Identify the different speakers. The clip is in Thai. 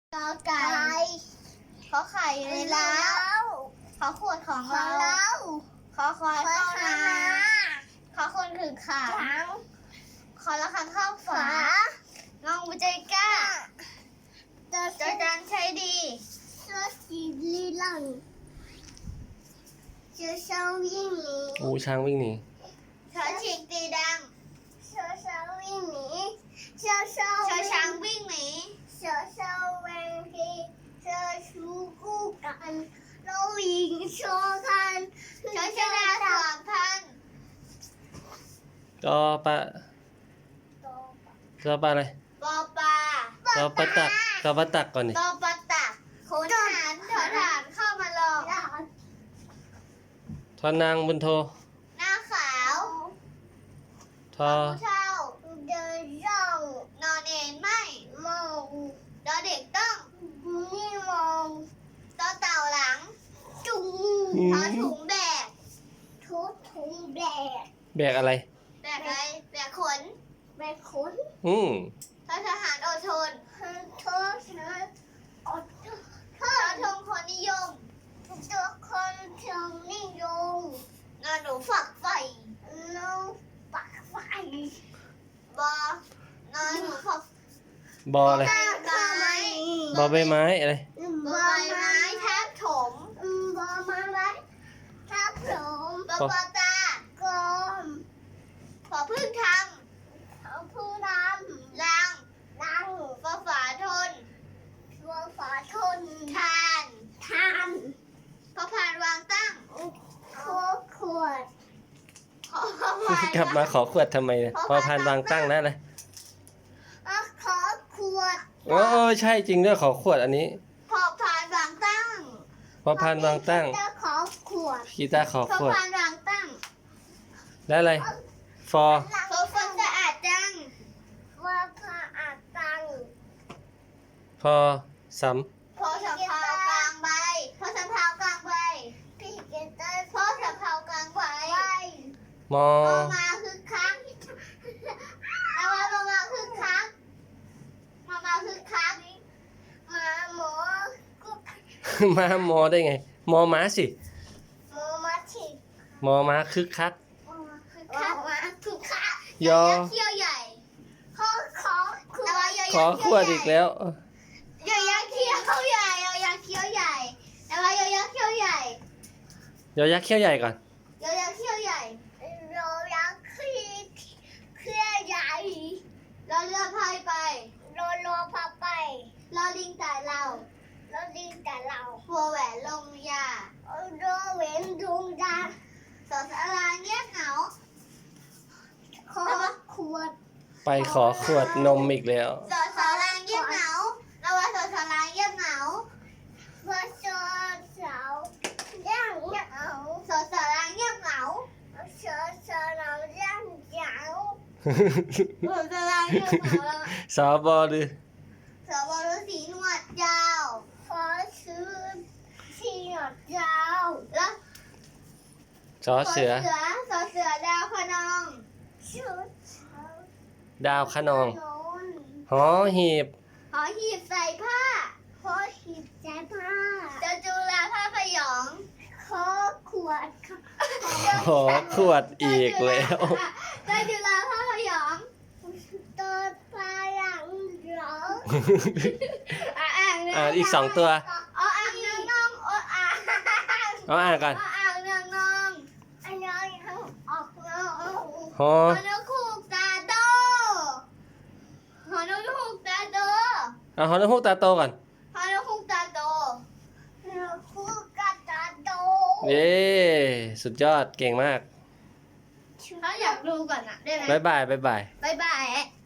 Speaker 1: กอไก่ขอไข่อยู่ในเล้าขอขวดของเราขอควายเข้านาขอคนถือขาขอละครังเข้าฝางองบุใจกล้าจอจานใช้ดีเสื้อสีลีลังเชือช้างวิ่งหนี
Speaker 2: ช้างวิ่งหนี
Speaker 1: เชือฉีกตีดังเชือช้างวิ่งหนีเชือช้างวิ่งหนีเชือช้างเวงทีเชือชูคู่กันเราวิ่งโชว์กันเชือชนะสามพัน
Speaker 2: กอปะกอปะอะไร
Speaker 1: ปอปลาก
Speaker 2: อปะตักกอปะตักก่อนดิ
Speaker 1: ปอปลาตักขนหานถอฐานเข้ามาลอง
Speaker 2: ทอนางบุญโท
Speaker 1: หน้าขาว
Speaker 2: ทอ
Speaker 1: ผู้เฒ่าเดินย่องนอนเองไม่มองดอเด็กต้องนี่มองต่อเต่าหลังจุงทอถุงแบกทุกถุงแบก
Speaker 2: แบกอะไร
Speaker 1: แบกอะไรแบกขนแบกขน ทหารอดทนทอทงคนนิยมตัวคนชมนิยมนอนหนูฝักไฟนอนฝักไฟบอนอนหนูฝัก
Speaker 2: บออะไร บอใบไม้อะไร
Speaker 1: บอใบไม้ทับถมบอไม้ทับถมบอปอตากลมพอพึ่งทำพอพึ่งทำลังฟอฝาทนทานพอผ่านวางตั้งขวด
Speaker 2: กลับมาขอขวดทำไมเนี่ยพอพานวางตั้งนะเลย
Speaker 1: ขอขวด
Speaker 2: โอ้ใช่จริงด้วยขอขวดอันนี้
Speaker 1: พอผ่านวางตั้ง
Speaker 2: พอพานวางตั้ง
Speaker 1: ขอขวด
Speaker 2: กีตาร์ขอ
Speaker 1: พอ
Speaker 2: ขวด
Speaker 1: ผ่านวางตั้ง
Speaker 2: แล้วอะไร ฟอ
Speaker 1: พอฝนสะอาดจังพอผ่าอาดตัง
Speaker 2: พอส
Speaker 1: พอสะเพากลางใบพอสะเพากลางใบพอสะเพากลางใบ
Speaker 2: ำมอ
Speaker 1: มาคึกคักแล้วมาคึกคักมาคึกคักมาหมอกุ๊ก
Speaker 2: ม้ามอได้ไง มอม้าสิ
Speaker 1: หมอมาฉีด
Speaker 2: มอม้าคึกคัก
Speaker 1: คึกคักมาคึกคัก
Speaker 2: ยอ
Speaker 1: เขี้ยวใหญ่ขอแล้ว
Speaker 2: ขอขวดอีกแล้ว
Speaker 1: ยอยักษ์เขี้ยวใหญ่ยอยักษ์เขี้ยวใหญ่แล้วยอยักษ์เขี้ยวใหญ่
Speaker 2: ยอยักษ์เขี้ยวใหญ่ก่อน
Speaker 1: ยอยักษ์เขี้ยวใหญ่ยอยักษ์เขี้ยวใหญ่รอเรือพายไปรอพาไปรอลิงแต่เราหัวแหวนลงยาโรเวนดวงดาสอสาราเงียบเหงาขอขวด
Speaker 2: ไปขอขวดนมอีกแล้ว
Speaker 1: สอสาราเงียบเหงาเราว่าสอสาราเงียบเหงาพอสอสาวย่างเหงาสอสาราเงียบเหงาสอสาราย่างเหงาสอสาราเงียบเหงา
Speaker 2: สอบอหรือ
Speaker 1: สวรสีหนวดยาวขอซื้อสีหนวดยาวแล้ว
Speaker 2: สอเสือ
Speaker 1: สอเสือดาวพนองชุด
Speaker 2: ดาวคะนอง หอหีบ
Speaker 1: หอหีบใส่ผ้าหอหีบใส่ผ้าจจุฬาผ้าพยองขอขวด
Speaker 2: ขอขวดอีกแล้ว
Speaker 1: จจุฬาผ้าพยองตัวพลังหรอ
Speaker 2: อีกสองตัว
Speaker 1: อ่างน้องอ่าง
Speaker 2: เอาอ่านก่อน
Speaker 1: อ่างน้องอันนี้ออกน้อง
Speaker 2: หอ
Speaker 1: ฮอนคูกตาโตฮอนคูกตาโต
Speaker 2: เอาหอนกฮูกตาโตก่อน
Speaker 1: ฮอนคูกตาโตฮอนคูกตาโต
Speaker 2: เย้สุดยอดเก่งมาก
Speaker 1: ถ้าอยากดูก่อนนะได้ไหม
Speaker 2: บ๊ายบาย บ๊ายบาย
Speaker 1: บ๊ายบาย